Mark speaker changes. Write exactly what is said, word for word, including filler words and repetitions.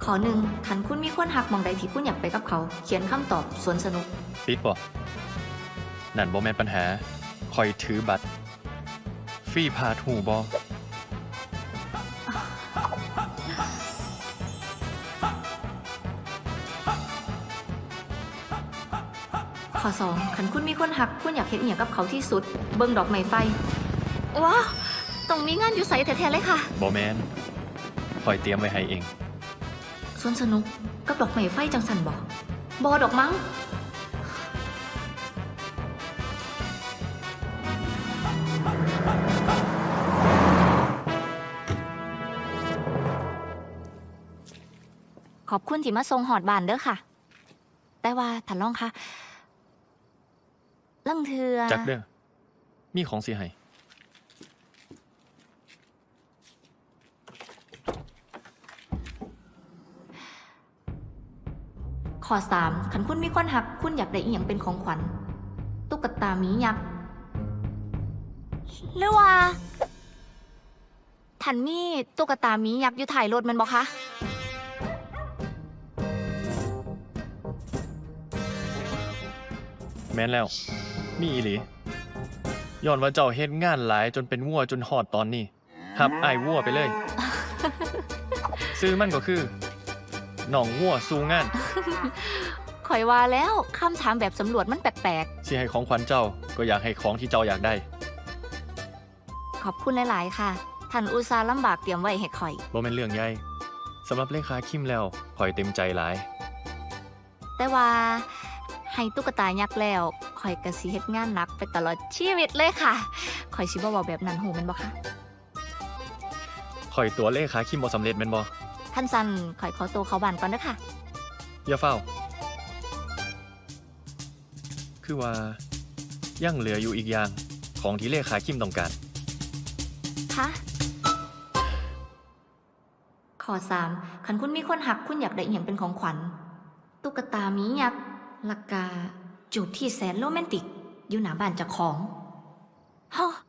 Speaker 1: ข้อหนึ่งคันคุณมีคนหักมองใดที่คุณอยากไปกับเขา เขียนคำตอบสวนสนุก
Speaker 2: ปิดบ่นั่นบ่แม่นปัญหาคอยถือบัตรฟรีพาทูบ่
Speaker 1: ข้อสองคันคุณมีคนหักคุณอยากเฮ็ดอิหยังกับเขาที่สุด เบิ่งดอกไม้ไฟว้าวต้องมีงานอยู่ไสแท้ๆเลยค่ะ
Speaker 2: บ่แม่นคอยเตรียมไว้ให้เอง
Speaker 1: สวนสนุกกับดอกไม้ไฟจังสันบ่บ่ดอกมั้งขอบคุณที่มาส่งหอดบ้านเด้อค่ะ แต่ว่าท่านรองคะลังเทือ
Speaker 2: จักเด้อมีของสิให้
Speaker 1: ข้อสามคันคุณมีคนหักคุณอยากได้อีหยังเป็นของขวัญตุ๊กตาหมียักษ์หรือว่าท่านมีตุ๊กตาหมียักษ์อยู่ถ่ายรถมันบ่คะ
Speaker 2: แม่นแล้วมีอีหลีย้อนว่าเจ้าเฮ็ดงานหลายจนเป็นวัวจนหอดตอนนี้หับอ้ายวัวไปเลย ซื้อมันก็คือหนองวัวสู้งาน
Speaker 1: ข่อยว่าแล้วคำถามแบบสำรวจมันแปลก
Speaker 2: ๆสิให้ของขวัญเจ้าก็อยากให้ของที่เจ้าอยากได้
Speaker 1: ขอบคุณหลายๆค่ะท่านอุตส่าห์ลำบากเตรียมไว้ให้ข่อย
Speaker 2: บ่แม่นเรื่องใหญ่สำหรับเลขาคิมแล้วข่อยเต็มใจหลาย
Speaker 1: แต่ว่าให้ตุ๊กตายักษ์แล้วข่อยก็สิเฮ็ดงานหนักไปตลอดชีวิตเลยค่ะข่อยสิบ่เว้าแบบนั้นหูแม่นบ่คะ
Speaker 2: ข่อยตัวเลขาคิมบ่สำเร็จแม่นบ่
Speaker 1: ท่านซันข่อยขอตัวเข้าบ้านก่อนเด้อค่ะ
Speaker 2: อย่าเฝ้าคือว่ายังเหลืออยู่อีกอย่างของที่เลขาคิมต้องการ
Speaker 1: คะข้อสามคันคุณมีคนหักคุณอยากได้อีหยังเป็นของขวัญตุ๊กตาหมียักษ์ลักกาจูบที่แสนโรแมนติกอยู่หน้าบ้านเจ้าของฮะ